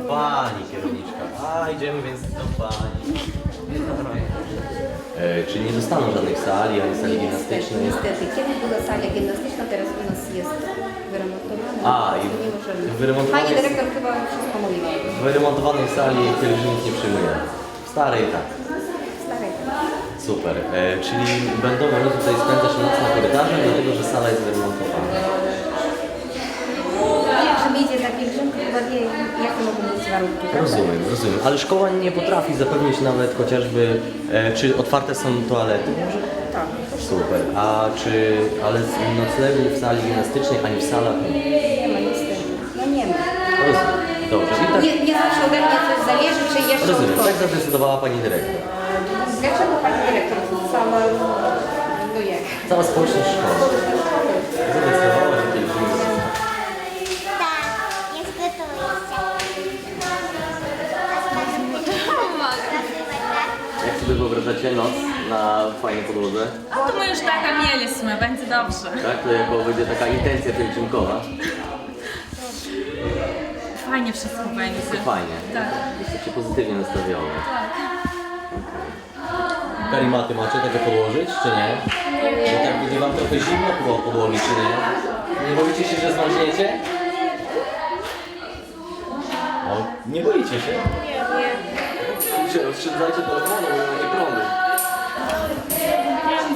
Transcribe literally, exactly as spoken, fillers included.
pani kierowniczka. A, idziemy więc do pani. E, czyli nie dostaną żadnych sali, ani sali gimnastycznej? Niestety, kiedyś była sala gimnastyczna, teraz u nas jest wyremontowana. A, i nie możemy. wyremontowane Pani jest- dyrektor chyba wszystko mówiła. W wyremontowanej sali pielgrzymów nie przyjmujemy. W starej tak. Starej. Super. E, czyli będą one tutaj spędzać noc na korytarzu, dlatego że sala jest wyremontowana. Jak się idzie za pielgrzymkę, chyba wie, jakie mogą być warunki. prawda? Rozumiem, rozumiem. Ale szkoła nie potrafi zapewnić nawet chociażby, e, czy otwarte są toalety może? Tak. Super. A czy, ale z noclegu w sali gimnastycznej, ani w salach nie? Nie ma niestety. No nie ma. Rozumiem. Dobrze. I tak, Nie, nie zawsze ode mnie coś zależy, czy jeszcze rozumiem. od Tak kogoś. zadecydowała pani dyrektor. Dlaczego pani dyrektor? Cała, no jak? Cała społeczność szkoły zadecydowała, że pielgrzymi zostaną. Tak, jest Jak sobie wyobrażacie noc na fajnej podłodze? A to my już taka mieliśmy, będzie dobrze. Tak, to jako będzie taka intencja pielgrzymkowa. Fajnie wszystko będzie. Fajnie. Tak. Jesteście pozytywnie nastawione. Tak. Karimaty macie takie podłożyć, czy nie? Nie. Tak będzie wam trochę zimno było podłogi, czy nie? Nie boicie się, że zmarzniecie? O, nie boicie się? Nie, nie. Oszczędzajcie telefonu, bo nie ma prądu.